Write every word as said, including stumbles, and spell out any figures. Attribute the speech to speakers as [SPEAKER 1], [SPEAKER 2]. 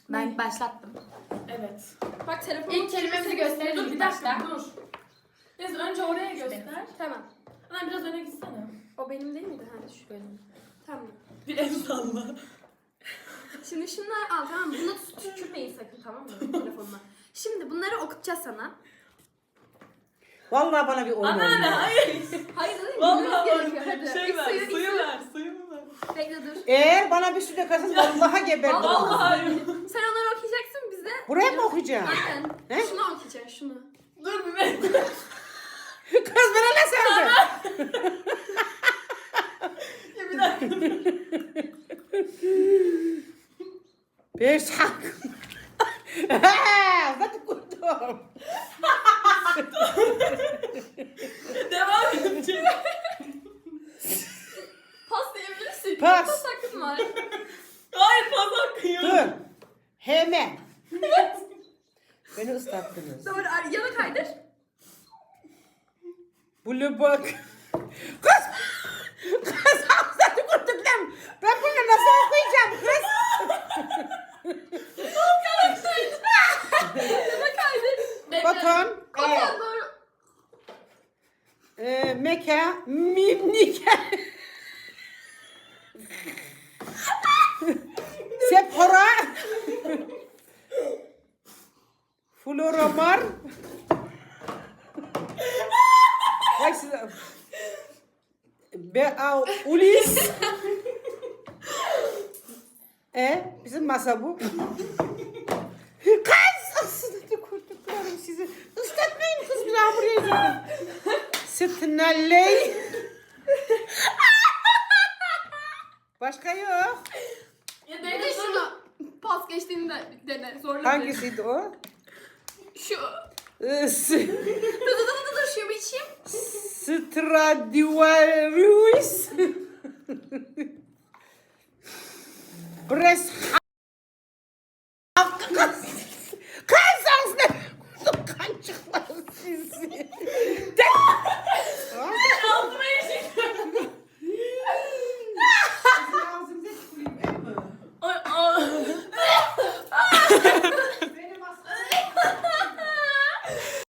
[SPEAKER 1] Ben başlattım.
[SPEAKER 2] Evet.
[SPEAKER 3] Bak telefonu.
[SPEAKER 1] İlk kelimemizi gösterelim
[SPEAKER 2] Dur
[SPEAKER 1] ilk
[SPEAKER 2] bir dakika
[SPEAKER 1] başta.
[SPEAKER 2] dur. Neyse önce oraya göster.
[SPEAKER 3] Tamam.
[SPEAKER 2] Lan biraz öne gitsene.
[SPEAKER 3] O benim değil miydi? Ha şu benim. Tamam.
[SPEAKER 2] Bir el salla.
[SPEAKER 3] Şimdi şunları al tamam mı? Bunu tut- tükürmeyin sakın tamam mı? Telefonuma. Şimdi bunları okutacağız sana.
[SPEAKER 4] Vallahi bana bir oyun
[SPEAKER 2] Anneanne
[SPEAKER 4] oynuyor.
[SPEAKER 2] hayır.
[SPEAKER 3] Hayır değil mi?
[SPEAKER 2] Vallahi
[SPEAKER 3] Bilmemiz gerekiyor.
[SPEAKER 2] bak.
[SPEAKER 3] Hadi.
[SPEAKER 2] Şey
[SPEAKER 3] İlk
[SPEAKER 2] ver,
[SPEAKER 3] suyu, ilk
[SPEAKER 2] suyu
[SPEAKER 3] suyu.
[SPEAKER 2] ver, suyumu ver.
[SPEAKER 3] Bekle dur.
[SPEAKER 4] Eğer bana bir süre kalsın vallahi geberdim.
[SPEAKER 2] Vallahi.
[SPEAKER 3] Sen onları okuyacaksın bize.
[SPEAKER 4] Buraya mı okuyacağım?
[SPEAKER 3] Aynen.
[SPEAKER 4] He?
[SPEAKER 3] Şunu okuyacaksın şunu.
[SPEAKER 2] Dur bir bekle.
[SPEAKER 4] Kız bana ne sandın?
[SPEAKER 2] Ya bir dakika.
[SPEAKER 4] Bir sak. Zaten kurdum.
[SPEAKER 2] Devam edeceğim.
[SPEAKER 3] Pas diyebilirsin.
[SPEAKER 4] Pas.
[SPEAKER 3] Pas hakkın var.
[SPEAKER 2] Hayır pas hakkı yok.
[SPEAKER 4] Dur. Hemen. Beni ıslattınız.
[SPEAKER 3] Doğru. ar- Yana kaydır.
[SPEAKER 4] Bulu bak. Kız. Kız zaten kurdum lan. Ben bunu nasıl okuyacağım kız?
[SPEAKER 3] Yana kaydır.
[SPEAKER 2] Bekle.
[SPEAKER 4] Baton.
[SPEAKER 3] Kapan
[SPEAKER 4] E,
[SPEAKER 3] doğru.
[SPEAKER 4] e, meka. Mimnika. Sephora. Floromar. Bak size. Bea Ulis. E bizim masa bu. Kız aslında kurtuklarım sizi. Islatmayın kız bir daha buraya gelin. Sırtınalley. Başka yok.
[SPEAKER 2] Ya
[SPEAKER 3] Bir
[SPEAKER 2] bekle
[SPEAKER 3] de
[SPEAKER 2] şunu.
[SPEAKER 3] şunu. Pas geçtiğini de dene. Zorla.
[SPEAKER 4] Hangisiydi o?
[SPEAKER 3] Şu.
[SPEAKER 4] Is-
[SPEAKER 3] Dur dur dur dur dur. Şu bir içeyim.
[SPEAKER 4] Stradivarius. Brescia.